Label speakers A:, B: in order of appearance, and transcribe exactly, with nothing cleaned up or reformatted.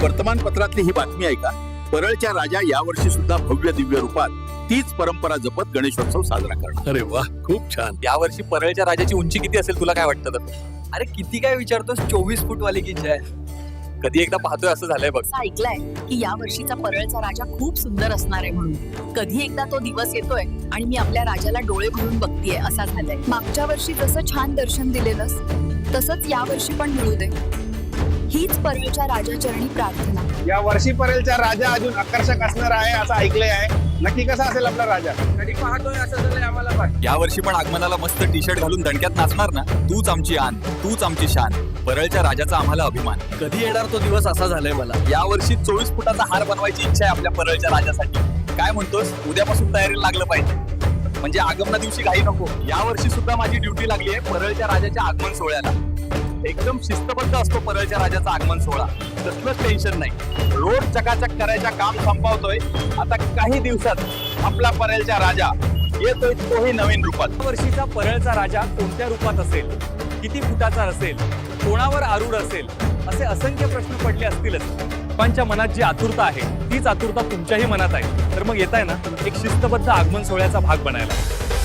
A: वर्तमानपत्रातली ही बातमी आहे का? परळच्या राजा यावर्षी सुद्धा भव्य दिव्य रूपात तीच परंपरा जपत गणेशोत्सव साजरा करणार.
B: अरे वा, खूप छान.
C: यावर्षी परळच्या राजाची उंची किती असेल तुला काय वाटतं तर?
D: अरे किती काय विचारतोस, चोवीस फूट वाली की जय.
C: कधी एकदा पाहतोय असं झालंय बघ.
E: असं ऐकलंय की या वर्षीचा परळचा राजा खूप सुंदर असणार आहे म्हणून. कधी एकदा तो दिवस येतोय आणि मी आपल्या राजाला डोळे भरून बघतीये असा झालंय.
F: मागच्या वर्षी जसं छान दर्शन दिलेलंस तसंच या वर्षी पण मिळू दे, हीच परळच्या राजाचरणी प्रार्थना.
G: या वर्षी पर्यंतचा राजा अजून आकर्षक असणार आहे असं ऐकलंय आहे. नक्की कसा असेल आपला राजा? कधी पाहतोय असं झालंय आम्हाला पण.
C: या वर्षी पण आगमनाला मस्त टी शर्ट घालून दणक्यात नाचणार ना. तूच आमची आन, तूच आमची शान, परळच्या राजाचा आम्हाला अभिमान.
D: कधी येणार तो दिवस असा झालाय मला.
C: या वर्षी चोवीस फुटाचा हार बनवायची इच्छा आहे आपल्या परळच्या राजासाठी. काय म्हणतोस, उद्यापासून तयारीला लागलं पाहिजे, म्हणजे आगमना दिवशी घाई नको. या वर्षी सुद्धा माझी ड्युटी लागली आहे परळच्या राजाच्या आगमन सोहळ्याला. एकदम शिस्तबद्ध असतो परळच्या राजाचा आगमन सोहळा, कसलंच टेन्शन नाही. रोड चकाचक करायचं काम संपवतोय. आता काही दिवसात आपला परळच्या राजा येतोय तोही नवीन रूपात.
H: वर्षीचा परळचा राजा कोणत्या रूपात असेल, किती फुटाचा असेल, कोणावर आरूढ असेल, असे असंख्य प्रश्न पडले असतीलच. लोकांच्या मनात जी आतुरता आहे तीच आतुरता तुमच्याही मनात आहे. तर मग येत आहे ना एक शिस्तबद्ध आगमन सोहळ्याचा भाग बनायला.